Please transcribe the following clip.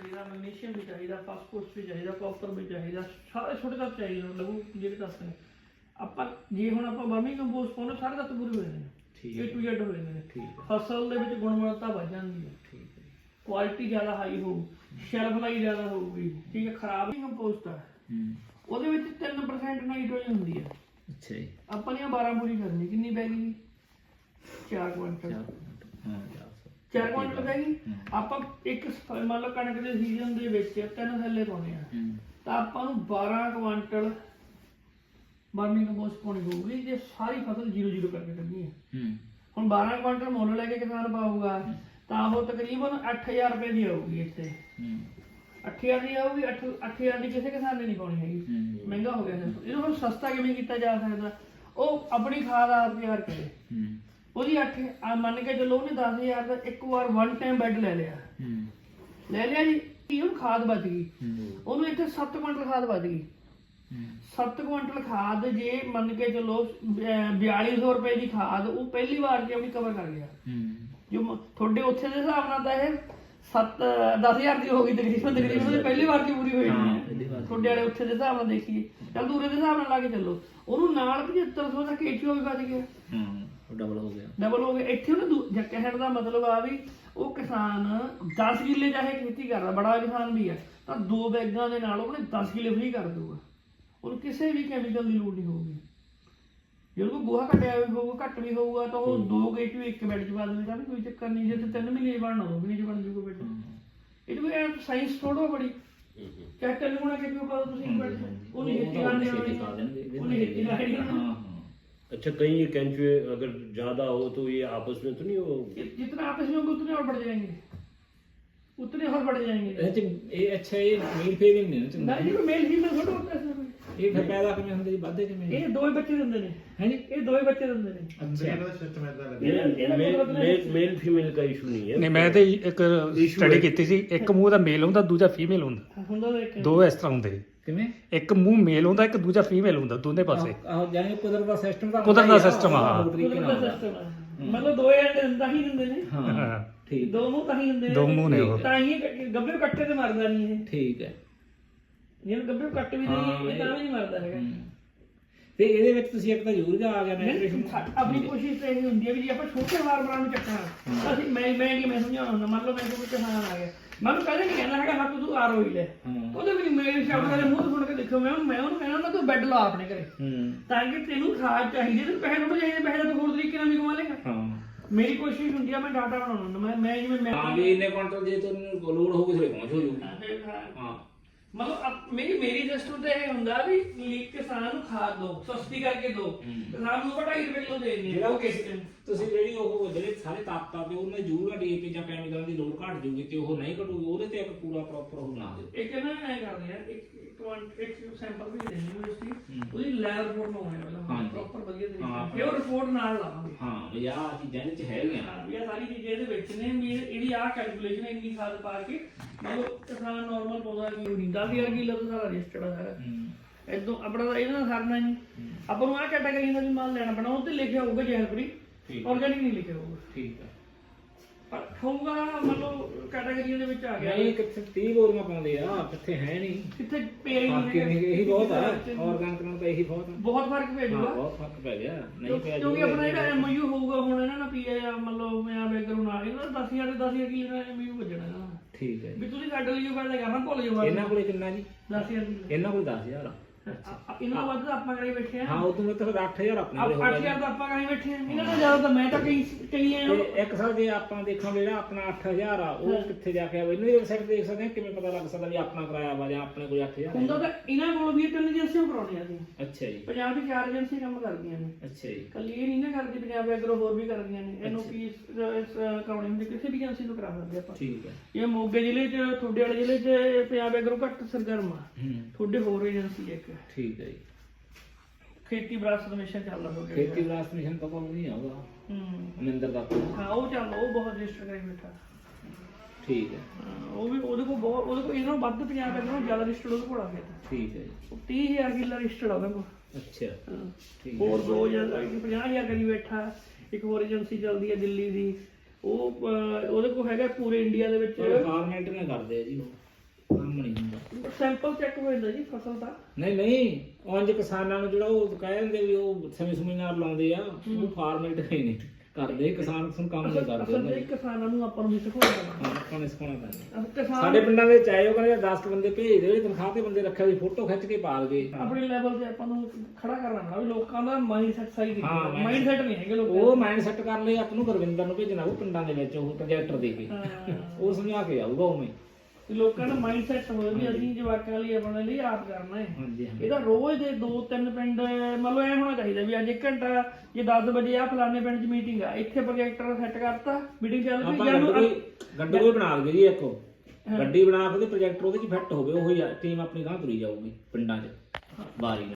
चाहिए, मैग्नीशियम भी चाहिए, फास्फोरस भी चाहिए, कॉपर भी चाहिए, सारे छोटे तत्व चाहिए लघु ਜਿਹੜੇ ਤੱਤ ਨੇ। ਆਪਾਂ ਜੇ ਹੁਣ ਆਪਾਂ ਵਰਮੀ ਕੰਪੋਸਟ ਪਾਉਂਦੇ ਸਾਰੇ ਤੱਤ ਪੂਰੇ ਹੋ ਜਾਂਦੇ ਨੇ, A to Z ਹੋ ਜਾਂਦੇ ਨੇ। ਫਸਲ ਦੇ ਵਿੱਚ ਗੁਣਵੱਤਾ ਵੱਧ ਜਾਂਦੀ ਹੈ, ਠੀਕ ਹੈ, ਕੁਆਲਿਟੀ ਜ਼ਿਆਦਾ ਹਾਈ ਹੋਊ, ਸ਼ੈਲਫ ਲਾਈਫ ਜ਼ਿਆਦਾ ਹੋਊਗੀ, ਠੀਕ ਹੈ। ਖਰਾਬ ਹੀ ਕੰਪੋਸਟ ਆ ਉਹਦੇ ਵਿੱਚ 3% ਨਾਈਟ੍ਰੋਜਨ ਹੁੰਦੀ ਹੈ। ਅੱਛਾ ਜੀ। ਆਪਾਂ ਨੇ 12 ਪੂਰੀ ਕਰਨੀ, ਕਿੰਨੀ ਪੈ ਗਈ? 4 ਕੁਇੰਟਲ। ਹਾਂ 4 ਕੁਇੰਟਲ ਪੈ ਗਈ। ਆਪਾਂ ਇੱਕ ਮੰਨ ਲਓ ਕਣਕ ਦੇ ਸੀਜ਼ਨ ਦੇ ਵਿੱਚ 3 ਥੈਲੇ ਪਾਉਣੇ ਆ ਤਾਂ ਆਪਾਂ ਨੂੰ 12 ਕੁਇੰਟਲ ਵਰਮੀ ਕੰਪੋਸਟ ਪਾਉਣੀ ਪਊਗੀ ਜੇ ਸਾਰੀ ਫਸਲ 0-0 ਕਰਕੇ ਕੱਢਣੀ ਹੈ। ਹੁਣ 12 ਕੁਇੰਟਲ ਮੁੱਲ ਲੈ ਕੇ ਕਿਸਾਨ ਪਾਊਗਾ ਤਾਂ ਉਹ ਤਕਰੀਬਨ 8000 ਰੁਪਏ ਦੀ ਆਊਗੀ। ਇੱਥੇ 8000 ਦੀ ਆਊਗੀ। 8000 ਦੀ ਕਿਸੇ ਕਿਸਾਨ ਨੇ ਨਹੀਂ ਪਾਉਣੀ ਹੈਗੀ, ਮਹਿੰਗਾ ਹੋ ਗਿਆ। ਇਹਨੂੰ ਹੁਣ ਸਸਤਾ ਕਿਵੇਂ ਕੀਤਾ ਜਾ ਸਕਦਾ? ਉਹ ਆਪਣੀ ਖਾਦ ਆਪ ਤਿਆਰ ਕਰੇ। ਉਹਦੀ 8 ਮੰਨ ਕੇ ਚਲੋ ਉਹਨੇ 10000 ਦਾ ਇੱਕ ਵਾਰ ਵਨ ਟਾਈਮ ਬੈੱਡ ਲੈ ਲਿਆ ਜੀ, ਉਹਨੂੰ ਖਾਦ ਬਚ ਗਈ। ਉਹਨੂੰ ਇੱਥੇ 7 ਕੁਇੰਟਲ ਖਾਦ ਬਚ ਗਈ। 7 ਕੁਇੰਟਲ ਖਾਦ ਜੇ ਮੰਨ ਕੇ ਚਲੋ 4200 ਰੁਪਏ ਦੀ ਖਾਦ ਉਹ ਪਹਿਲੀ ਵਾਰ ਜੇ ਆਪਣੀ ਕਵਰ ਕਰ ਗਿਆ। ਜੋ ਤੁਹਾਡੇ ਉੱਥੇ ਦੇ ਹਿਸਾਬ ਨਾਲ ਤਾਂ ਇਹ 10,000 ਦੀ ਹੋ ਗਈ ਤਕਰੀਬਨ ਪਹਿਲੀ ਵਾਰ ਦੀ ਪੂਰੀ ਹੋਈ ਨਹੀਂ। ਤੁਹਾਡੇ ਵਾਲੇ ਉੱਥੇ ਦੇ ਹਿਸਾਬ ਨਾਲ ਦੇਖੀਏ, ਚੱਲ ਦੂਰੇ ਦੇ ਹਿਸਾਬ ਨਾਲ ਲਾ ਕੇ ਚੱਲੋ, ਉਹਨੂੰ ਨਾਲ 7500 ਦਾ KCO ਵੀ ਬਚ ਗਿਆ, ਡਬਲ ਹੋ ਗਿਆ। ਇੱਥੇ ਉਹਨੇ ਕਹਿਣ ਦਾ ਮਤਲਬ ਆ ਵੀ ਉਹ ਕਿਸਾਨ 10 ਕਿੱਲੇ ਚਾਹੇ ਖੇਤੀ ਕਰਦਾ, ਬੜਾ ਕਿਸਾਨ ਵੀ ਹੈ ਤਾਂ 2 ਬੈਗਾਂ ਦੇ ਨਾਲ ਉਹਨੇ 10 ਕਿੱਲੇ ਫ੍ਰੀ ਕਰ ਦੂਗਾ। ਉਹਨੂੰ ਕਿਸੇ ਵੀ ਕੈਮੀਕਲ ਦੀ ਲੋੜ ਨਹੀਂ ਹੋਊਗੀ। ਜੇ ਉਹ ਗੋਹਾ ਘਟਿਆ ਵੀ ਹੋਊਗਾ, ਘੱਟ ਵੀ ਹੋਊਗਾ ਤਾਂ ਉਹ 2 KCO ਇੱਕ ਬੈਡ 'ਚ ਪਾ ਦੇਵੇਗਾ, ਕੋਈ ਚੱਕਰ ਨਹੀਂ। ਜੇ 3 ਮਹੀਨੇ ਬਣਨਾ 2 ਮਹੀਨੇ 'ਚ ਬਣ ਜੂਗਾ ਬੈਡ। ਇਹ ਵੀ ਸਾਇੰਸ ਥੋੜ੍ਹਾ ਬੜੀ ਚਾਹੇ 3 ਗੁਣਾ KCO ਪਾ ਦਿਓ ਤੁਸੀਂ ਇੱਕ ਬੈਡ 'ਚ, ਉਹਨੇ ਖੇਤੀ ਕਰਨੀ ਆਉਣੀ, ਉਹਨੇ ਖੇਤੀ ਕਰਨੀ। अच्छा कहीं ये केंचुए अगर ज्यादा हो तो ये आपस में तो नहीं हो? जितना आपस में होगा उतने और बढ़ जाएंगे, उतने और बढ़ जाएंगे। अच्छा ये मेल फीमेल नहीं ना? नहीं मेल फीमेल थोड़ा होता है। ਇਹ ਫਿਰ ਪੈਦਾ ਕਿਵੇਂ ਹੁੰਦੇ ਜੀ, ਵੱਧਦੇ ਕਿਵੇਂ? ਇਹ 2 ਬੱਚੇ ਦਿੰਦੇ ਨੇ। ਹੈ ਜੀ, ਇਹ 2 ਬੱਚੇ ਦਿੰਦੇ ਨੇ। ਅੱਛਾ ਇਹਦਾ ਸਿਸਟਮ ਇਦਾਂ ਲੱਗਦਾ ਮੇਲ ਫੀਮੇਲ ਦਾ ਇਸ਼ੂ ਨਹੀਂ ਹੈ। ਨਹੀਂ ਮੈਂ ਤੇ ਇੱਕ ਸਟੱਡੀ ਕੀਤੀ ਸੀ, ਇੱਕ ਮੂੰਹ ਦਾ ਮੇਲ ਹੁੰਦਾ ਦੂਜਾ ਫੀਮੇਲ ਹੁੰਦਾ, ਦੋ ਇਸ ਤਰ੍ਹਾਂ ਹੁੰਦੇ। ਕਿਵੇਂ? ਇੱਕ ਮੂੰਹ ਮੇਲ ਹੁੰਦਾ, ਇੱਕ ਦੂਜਾ ਫੀਮੇਲ ਹੁੰਦਾ, ਦੋਨੇ ਪਾਸੇ। ਆਹ ਜਾਨੀ ਕੁਦਰਤ ਦਾ ਸਿਸਟਮ ਦਾ ਸਿਸਟਮ ਆ। ਮਤਲਬ 2 ਐਂਡ ਤਾਂ ਹੀ ਦਿੰਦੇ ਨੇ। ਹਾਂ ਠੀਕ, 2 ਮੂੰਹ ਤਾਂ ਹੀ ਦਿੰਦੇ ਨੇ, 2 ਮੂੰਹ ਨੇ ਉਹ। ਤਾਂ ਹੀ ਗੱਭੇ ਕੱਟੇ ਤੇ ਮਰਦਾ ਨਹੀਂ ਇਹ। ਠੀਕ ਹੈ, ਜੇ ਗੱਭੇ ਕੱਟ ਵੀ ਨਹੀਂ ਇਹ ਤਾਂ ਵੀ ਨਹੀਂ ਮਰਦਾ ਹੈਗਾ। ਤੇ ਇਹਦੇ ਵਿੱਚ ਤੁਸੀਂ ਇੱਕ ਤਾਂ ਯੂਰੀਆ ਆ ਗਿਆ ਨਾਈਟ੍ਰੇਸ਼ਨ। ਆਪਣੀ ਕੋਸ਼ਿਸ਼ ਤਾਂ ਇਹ ਹੁੰਦੀ ਹੈ ਵੀ ਜੇ ਆਪਾਂ ਛੋਟੇ ਫਾਰਮਰਾਂ ਨੂੰ ਚੱਕਣਾ ਤਾਂ ਅਸੀਂ ਮੈਂ ਸਮਝਾਉਣਾ ਹੁੰਦਾ। ਮੰਨ ਲਓ ਮੇਰੇ ਕੋਲ ਕਿਸਾਨ ਆ ਗਿਆ, ਮੈਨੂੰ ਕਦੇ ਨਹੀਂ ਕਹਿੰਦਾ ਹੈਗਾ ਹੱਥ ਤੂੰ ਆਰ ਹੋਈ ਲੈ, ਉਹਦੇ ਵੀ ਮੇਰੇ ਸ਼ਬਦ ਦੇ ਮੂੰਹ ਤੋਂ ਸੁਣ ਕੇ ਦੇਖੋ, ਮੈਂ ਉਹਨੂੰ ਕਹਿੰਦਾ ਹੁੰਦਾ ਤੂੰ ਬੈੱਡ ਲਾ ਆਪਣੇ ਘਰੇ ਤਾਂ ਕਿ ਤੈਨੂੰ ਖਾਦ ਚਾਹੀਦੀ, ਤੈਨੂੰ ਪੈਸੇ ਥੋੜੇ ਚਾਹੀਦੇ, ਪੈਸੇ ਤਾਂ ਤੂੰ ਹੋਰ ਤਰੀਕੇ ਨਾਲ ਵੀ ਕਮਾ ਲੇਗਾ। ਮੇਰੀ ਕੋਸ਼ਿਸ਼ ਹੁੰਦੀ ਆ, ਮੈਂ ਡਾਟਾ ਬਣਾਉਣਾ ਹੁੰਦਾ। ਮੈਂ ਜਿਵੇਂ ਵੀ ਇੰਨੇ ਕੁਇੰਟਲ ਜੇ ਤੁਹਾਨੂੰ ਲੋੜ ਹੋਊਗੀ ਥੋੜੇ ਪਹੁੰਚ ਹੋ ਜੂਗੀ। ਹਾਂ ਮਤਲਬ ਮੇਰੀ ਸਿਸਟਮ ਤੇ ਇਹ ਹੁੰਦਾ ਵੀ ਕਿਸਾਨ ਨੂੰ ਖਾਦ ਦੋ, ਸਸਤੀ ਕਰਕੇ ਦੋ, ਕਿਸਾਨ ਨੂੰ 2.5 ਰੁਪਏ ਕਿਲੋ ਦੇ ਦਿੰਦੇ ਉਹ ਕਿਸੇ ਤੁਸੀਂ ਜਿਹੜੇ ਸਾਰੇ ਤਾਕਤਾਂ ਤੇ ਉਹਨਾਂ ਯੂਰੀਆ DAP ਜਾਂ ਕੈਮੀਕਲਾਂ ਦੀ ਲੋੜ ਘਟ ਜੂਗੀ ਤੇ ਉਹ ਨਹੀਂ ਘਟੂਗੀ, ਉਹਦੇ ਤੇ ਇੱਕ ਪੂਰਾ ਪ੍ਰੋਪਰ ਉਹ ਬਣਾ ਦਿਓ। ਇੱਕ ਨਾ ਐ ਕਰਦੇ ਆ, ਇੱਕ ਸੈਂਪਲ ਵੀ ਦੇਣੀ ਯੂਨੀਵਰਸਿਟੀ, ਉਹਦੀ ਲੈਬ ਰਿਪੋਰਟ ਬਣਾਉਣੀ ਪਹਿਲਾਂ ਪ੍ਰੋਪਰ ਵਧੀਆ ਤਰੀਕੇ ਨਾਲ, ਫਿਰ ਉਹ ਰਿਪੋਰਟ ਨਾਲ ਲਾਵਾਂਗੇ। ਹਾਂ ਵੀ ਆਹ ਚੀਜ਼ਾਂ ਇਹਦੇ ਚ ਹੈਗੀਆਂ, ਵੀ ਆਹ ਸਾਰੀ ਚੀਜ਼ਾਂ ਇਹਦੇ ਵਿੱਚ ਨੇ, ਵੀ ਇਹਦੀ ਆਹ ਕੈਲਕੂਲੇਸ਼ਨ ਇੰਨੀ ਖਾਦ ਪਾ ਕੇ ਮਤਲਬ ਕਿਸਾਨ ਨਾਰਮਲ ਪਾਉਂਦਾ ਕਿ ਨਹੀਂ 10,000 ਕਿਲੋ ਦਾ ਸਾਰਾ ਰਜਿਸਟਰਡ ਆ ਸਾਰਾ। ਇਦੋਂ ਆਪਣਾ ਤਾਂ ਇਹਦੇ ਨਾਲ ਸਰਨਾ ਨਹੀਂ, ਆਪਾਂ ਨੂੰ ਆਹ ਕੈਟਾਗਰੀ ਦਾ ਵੀ ਮਾਲ ਲੈਣਾ ਪੈਣਾ, ਉਹ ਤੇ ਲਿਖਿਆ ਹੋਊਗਾ ਜ਼ਹਿਰ ਫ੍ਰੀ, ਆਰਗੈਨਿਕ ਨਹੀਂ ਲਿਖਿਆ ਹੋਊਗਾ। ਠੀਕ ਹੈ, ਪਰ ਹੋਊਗਾ ਮਤਲਬ ਕੈਟਾਗਰੀਆਂ ਦੇ ਵਿੱਚ ਆ ਗਿਆ। ਨਹੀਂ ਕਿੱਥੇ 30 ਬੋਰੀਆਂ ਪਾਉਂਦੇ ਆ, ਕਿੱਥੇ ਹੈ ਨਹੀਂ, ਕਿੱਥੇ ਪੇ ਹੀ ਨਹੀਂ। ਇਹੀ ਬਹੁਤ ਆ, ਆਰਗੈਨਿਕ ਨਾਲ ਤਾਂ ਇਹੀ ਬਹੁਤ ਫਰਕ ਪੈ ਜਾਊਗਾ, ਬਹੁਤ ਫਰਕ ਪੈ ਗਿਆ। ਨਹੀਂ ਪੈ ਕਿਉਂਕਿ ਆਪਣਾ ਜਿਹੜਾ MOU ਹੋਊਗਾ ਹੁਣ ਇਹਨਾਂ ਨਾਲ ਪੀਏ ਮਤਲਬ ਮੈਂ ਬੈਗਰੂ ਨਾਲ ਇਹਨਾਂ ਦਾ 10,000 ਦੇ 10,000 ਕਿਲੋ ਦਾ MOU ਵੱਜਣਾ ਇਹਨਾਂ ਦਾ। ਠੀਕ ਹੈ ਵੀ ਤੁਸੀਂ ਸਾਡੇ ਲਈ ਗੱਲ ਕਰਨਾ ਭੁੱਲ ਜਾਓ। ਇਹਨਾਂ ਕੋਲੇ ਕਿੰਨਾ ਜੀ? 10,000 ਕਿਲੋ। ਇਹਨਾਂ ਕੋਲ 10,000 ਆ। ਇਹਨਾਂ ਵੱਧ ਤਾਂ ਆਪਾਂ ਕਰੀ ਬੈਠੇ ਆ। ਹਾਂ ਉਹ ਤੋਂ ਮਤਲਬ 8,000 ਆਪਣੇ ਕੋਲ 8,000 ਤਾਂ ਆਪਾਂ ਕਰੀ ਬੈਠੇ ਆ। ਇਹਨਾਂ ਨਾਲ ਜ਼ਿਆਦਾ ਤਾਂ ਮੈਂ ਤਾਂ ਕਈ ਆ। ਇੱਕ ਸਾਲ ਜੇ ਆਪਾਂ ਦੇਖਾਂਗੇ ਜਿਹੜਾ ਆਪਣਾ 8,000 ਆ ਉਹ ਕਿੱਥੇ ਜਾ ਕੇ ਆਵੇ, ਇਹਨਾਂ ਦੀ ਵੈਬਸਾਈਟ ਦੇਖ ਸਕਦੇ ਆ, ਕਿਵੇਂ ਪਤਾ ਲੱਗ ਸਕਦਾ ਵੀ ਆਪਣਾ ਕਰਾਇਆ ਵਾ ਜਾਂ ਆਪਣੇ ਕੋਲ 8,000 ਹੁੰਦਾ। ਤਾਂ ਇਹਨਾਂ ਕੋਲ ਵੀ 3 ਏਜੰਸੀਆਂ ਕਰਾਉਣੀਆਂ ਸੀ। ਅੱਛਾ ਜੀ, ਪੰਜਾਬ ਦੀ 4 ਏਜੰਸੀਆਂ ਕੰਮ ਕਰਦੀਆਂ ਨੇ। ਅੱਛਾ ਜੀ, ਕੱਲੀ ਇਹ ਨਹੀਂ ਨਾ ਕਰਦੀ, ਪੰਜਾਬ ਐਗਰੋ ਹੋਰ ਵੀ ਕਰਦੀਆਂ ਨੇ। ਇਹਨੂੰ ਕੀ ਕਰਾਉਣੀ ਹੁੰਦੀ ਕਿਸੇ ਵੀ ਏਜੰਸੀ ਨੂੰ ਕਰਾ ਸਕਦੇ ਆਪਾਂ। ਠੀਕ ਹੈ, ਇਹ ਮੋਗੇ ਜ਼ਿਲ੍ਹੇ 'ਚ ਤੁਹਾਡੇ ਵਾਲੇ ਜ਼ਿਲ੍ਹੇ 'ਚ ਪੰਜਾਬ ਐਗਰੋ ਘੱਟ ਸਰਗਰਮ ਆ, ਤੁਹਾਡੇ ਹੋਰ ਏਜੰਸੀ ਇੱਕ। ਠੀਕ ਹੈ ਜੀ, ਖੇਤੀ ਵਿਰਾਸਤ ਮਿਸ਼ਨ ਚੱਲਦਾ ਤੁਹਾਡੇ। ਖੇਤੀ ਵਿਰਾਸਤ ਮਿਸ਼ਨ ਤਾਂ ਕੋਈ ਨਹੀਂ ਆਊਗਾ ਅਮਿੰਦਰ ਦਾ। ਹਾਂ ਉਹ ਚੱਲਦਾ, ਉਹ ਬਹੁਤ ਰਜਿਸਟਰ ਕਰੀ ਬੈਠਾ। ਠੀਕ ਹੈ, ਉਹ ਵੀ ਉਹਦੇ ਕੋਲ ਬਹੁਤ, ਉਹਦੇ ਕੋਲ ਇਹਨਾਂ ਨੂੰ ਵੱਧ ਪੰਜਾਬ ਐਗਰੋ ਜ਼ਿਆਦਾ ਰਜਿਸਟਰਡ ਉਹਦੇ ਕੋਲ ਆ ਗਿਆ। ਠੀਕ ਹੈ ਜੀ, 30,000 ਕਿੱਲਾ ਰਜਿਸਟਰਡ ਆ ਉਹਦੇ ਕੋਲ। ਅੱਛਾ ਠੀਕ, ਹੋਰ 50,000 ਕਰੀ ਬੈਠਾ। ਇੱਕ ਹੋਰ ਏਜੰਸੀ ਚੱਲਦੀ ਹੈ ਦਿੱਲੀ ਦੀ, ਉਹ ਉਹਦੇ ਕੋਲ ਹੈਗਾ ਪੂਰੇ ਇੰਡੀਆ ਦੇ ਵਿੱਚ। ਫਾਰਮੈਟ ਨੇ ਕਰਦੇ ਆ ਜੀ ਕੰਮ ਨਹੀਂ ਹੁੰਦਾ। ਸੈਂਪਲ ਚੈੱਕ ਹੋ ਜਾਂਦਾ ਜੀ ਫਸਲ ਦਾ। ਨਹੀਂ ਉਂਝ ਕਿਸਾਨਾਂ ਨੂੰ ਜਿਹੜਾ ਉਹ ਕਹਿ ਦਿੰਦੇ ਵੀ ਉਹ ਸਮੇਂ ਨਾਲ ਲਾਉਂਦੇ ਆ, ਉਹ ਫਾਰਮੈਟ ਹੀ ਨਹੀਂ ਕਰਦੇ, ਕਿਸਾਨ ਕੰਮ ਨਹੀਂ ਕਰਦੇ। ਅਸਲ ਵਿੱਚ ਕਿਸਾਨਾਂ ਨੂੰ ਆਪਾਂ ਨੂੰ ਵੀ ਸਿਖਾਉਣਾ ਹਾਂ, ਆਪਾਂ ਨੇ ਸਿਖਾਉਣਾ ਪੈਂਦਾ। ਕਿਸਾਨ ਸਾਡੇ ਪਿੰਡਾਂ ਵਿੱਚ ਆਏ ਉਹ ਕਹਿੰਦੇ 10 ਬੰਦੇ ਭੇਜ ਦਿਓ, ਤਨਖਾਹ ਤੇ ਬੰਦੇ ਰੱਖਿਆ ਦੀ ਫੋਟੋ ਖਿੱਚ ਕੇ ਪਾ ਲਗੇ। ਆਪਣੇ ਲੈਵਲ ਤੇ ਆਪਾਂ ਨੂੰ ਖੜਾ ਕਰਨਾ ਪੈਣਾ ਵੀ ਲੋਕਾਂ ਦਾ ਮਾਈਂਡ ਸੈਟ ਸਹੀ ਕੀਤਾ। ਹਾਂ, ਮਾਈਂਡ ਸੈਟ ਨਹੀਂ ਹੈਗੇ ਲੋਕਾਂ ਉਹ ਮਾਈਂਡ ਸੈੱਟ ਕਰ ਲਈ ਆਪ ਨੂੰ ਗੁਰਵਿੰਦਰ ਨੂੰ ਭੇਜਣਾ, ਉਹ ਪਿੰਡਾਂ ਦੇ ਵਿੱਚ ਉਹ ਪ੍ਰੋਜੈਕਟਰ ਦੇ ਕੇ ਉਹ ਸਮਝਾ ਕੇ ਆਊਗਾ ਉਵੇਂ। ਤੇ ਲੋਕਾਂ ਦਾ ਮਾਈਂਡ ਸੈਟ ਹੋਵੇ ਵੀ ਅਸੀਂ ਜਵਾਕਾਂ ਲਈ ਆਪਣੇ ਲਈ ਆਪ ਕਰਨਾ ਹੈ। ਹਾਂਜੀ ਹਾਂ, ਇਹਦਾ ਰੋਜ਼ ਦੇ 2-3 ਪਿੰਡ ਮਤਲਬ ਐ ਹੋਣਾ ਚਾਹੀਦਾ ਵੀ ਅੱਜ 1 ਘੰਟਾ ਜੇ 10 ਵਜੇ ਆ ਫਲਾਣੇ ਪਿੰਡ 'ਚ ਮੀਟਿੰਗ ਆ, ਇੱਥੇ ਪ੍ਰੋਜੈਕਟਰ ਸੈੱਟ ਕਰਤਾ, ਮੀਟਿੰਗ ਚੱਲ ਪਈ। ਆਪਾਂ ਗੱਡੀ ਕੋਈ ਬਣਾ ਲਈਏ ਜੀ, ਇੱਕ ਗੱਡੀ ਬਣਾ ਕੇ ਤੇ ਪ੍ਰੋਜੈਕਟਰ ਉਹਦੇ 'ਚ ਫਿੱਟ ਹੋਵੇ, ਉਹੀ ਟੀਮ ਆਪਣੀ ਗਾਂ ਤੁਰੀ ਜਾਊਗੀ ਪਿੰਡਾਂ 'ਚ ਵਾਰੀ।